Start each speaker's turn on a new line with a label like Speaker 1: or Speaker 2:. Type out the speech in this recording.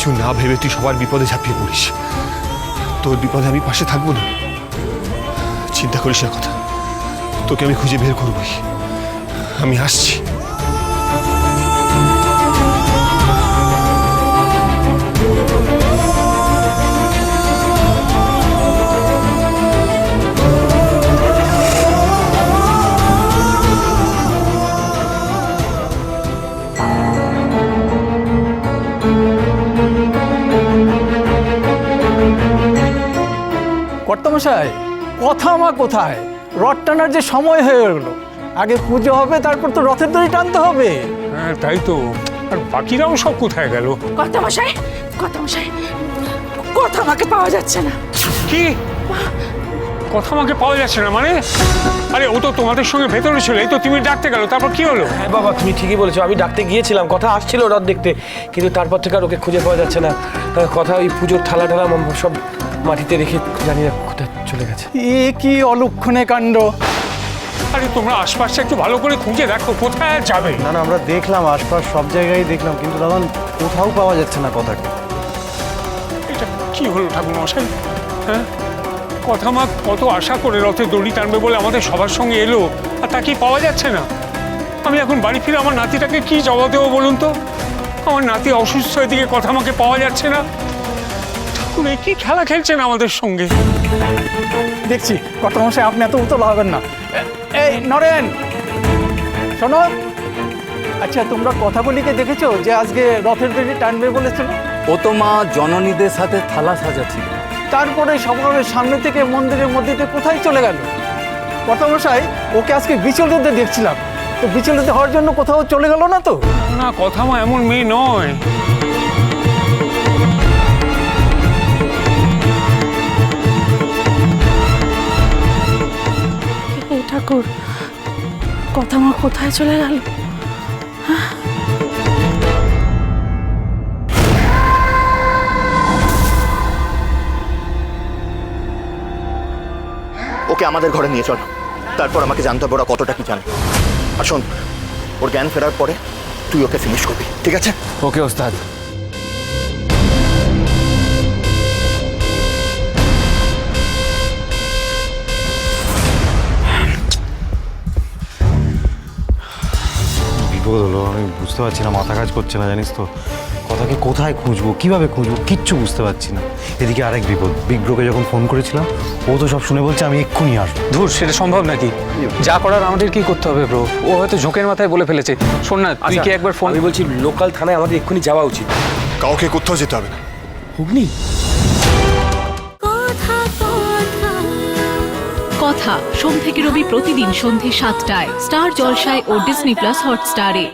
Speaker 1: কিছু না ভেবে তুই সবার বিপদে ঝাঁপিয়ে পড়িস। তোর বিপদে আমি পাশে থাকবো না, চিন্তা করিস না কথা। তোকে আমি খুঁজে বের করবই, আমি আসছি।
Speaker 2: কর্তামশাই, কথা মা কোথায়? রথ টানার যে সময় হয়ে গেল, আগে পুজো হবে, তারপর তো রথের দড়ি টানতে হবে।
Speaker 3: হ্যাঁ তাই তো, আর বাকিরাও সব কোথায় গেল?
Speaker 4: কর্তামশাই, কর্তামশাই, কথা আমাকে পাওয়া যাচ্ছে না।
Speaker 3: কি কথা আমাকে পাওয়া যাচ্ছে না মানে? আরে ও তো তোমাদের সঙ্গে ভেতরে ছিল, এই তো তুমি ডাকতে গেল, তারপর কি হলো?
Speaker 5: হ্যাঁ বাবা, তুমি ঠিকই বলেছো, আমি ডাকতে গিয়েছিলাম, কথা আসছিল রথ দেখতে, কিন্তু তারপর থেকে আর ওকে খুঁজে পাওয়া যাচ্ছে না। কথা ওই পুজোর থালা টালা সব মাটিতে রেখে জানি না কোথায় চলে গেছে।
Speaker 2: এ কি অলক্ষণে কাণ্ড!
Speaker 3: আরে তোমরা আশপাশটা একটু ভালো করে খুঁজে দেখো, কোথায় আর যাবে?
Speaker 6: না না, আমরা দেখলাম, আশপাশ সব জায়গায় দেখলাম, কিন্তু দাদা কোথাও পাওয়া যাচ্ছে না কথাকে।
Speaker 3: এটা কি হলো ঠাকুর মশাই? হ্যাঁ, কথা মা কত আশা করে রথে দড়ি টানবে বলে আমাদের সবার সঙ্গে এলো, আর তাকে পাওয়া যাচ্ছে না। আমি এখন বাড়ি ফিরে আমার নাতিটাকে কি জবাব দেবো বলুন তো? আমার নাতি অসুস্থ, এদিকে কথা আমাকে পাওয়া যাচ্ছে না। ঠাকুর কি খেলা খেলছেন আমাদের সঙ্গে?
Speaker 2: দেখছি কর্তামশাই, আপনি এত উতলা হবেন না। এই নরেন, শোনো, আচ্ছা তোমরা কথাগুলিকে দেখেছো যে আজকে রথের দড়ি টানবে বলেছিল?
Speaker 7: ও তো মা জননীদের সাথে থালা সাজাচ্ছিল।
Speaker 2: তারপরে সবার সামনে থেকে মন্দিরের মধ্যে দিয়ে কোথায় চলে গেল? কর্তামশাই, ওকে আজকে বিচলিত দেখছিলাম, তো বিচলিত হওয়ার জন্য কোথাও চলে গেল না তো?
Speaker 3: না, কথা মা এমন মেয়ে নয়।
Speaker 4: এই ঠাকুর, কথা আমার কোথায় চলে গেল?
Speaker 8: ওকে আমাদের ঘরে নিয়ে চল, তারপর আমাকে জানতে হবে ওরা কতটা কি জানে। আর শোন, ওর জ্ঞান ফেরার পরে তুই ওকে ফিনিশ করবি, ঠিক আছে?
Speaker 7: ওকে ওস্তাদ।
Speaker 6: বিপদ হলো, আমি বুঝতে পারছি না, মাথা কাজ করছে না, জানিস তো। কথাকে কোথায় খুঁজবো, কিভাবে খুঁজবো, কিচ্ছু বুঝতে পারছি না। এদিকে আরেক বিপদ, বিগ ব্রোকে যখন ফোন করেছিলাম, ও তো সব শুনে বলছে আমি এক্ষুনি আসবো।
Speaker 9: ধুর, সেটা সম্ভব নাকি? যা করার আমাদের কি করতে হবে ব্রো? ও হয়তো ঝোঁকের মাথায় বলে ফেলেছে। শোন না, তুই কি একবার ফোন...
Speaker 5: আমি বলছি লোকাল থানায় আমাদের এক্ষুনি যাওয়া উচিত।
Speaker 1: কাউকে কোথাও যেতে হবে না।
Speaker 5: হুগলি
Speaker 10: কথা সোম থেকে রবি প্রতিদিন সন্ধে ৭টায় স্টার জলসায় ও ডিজনি প্লাস হটস্টারে।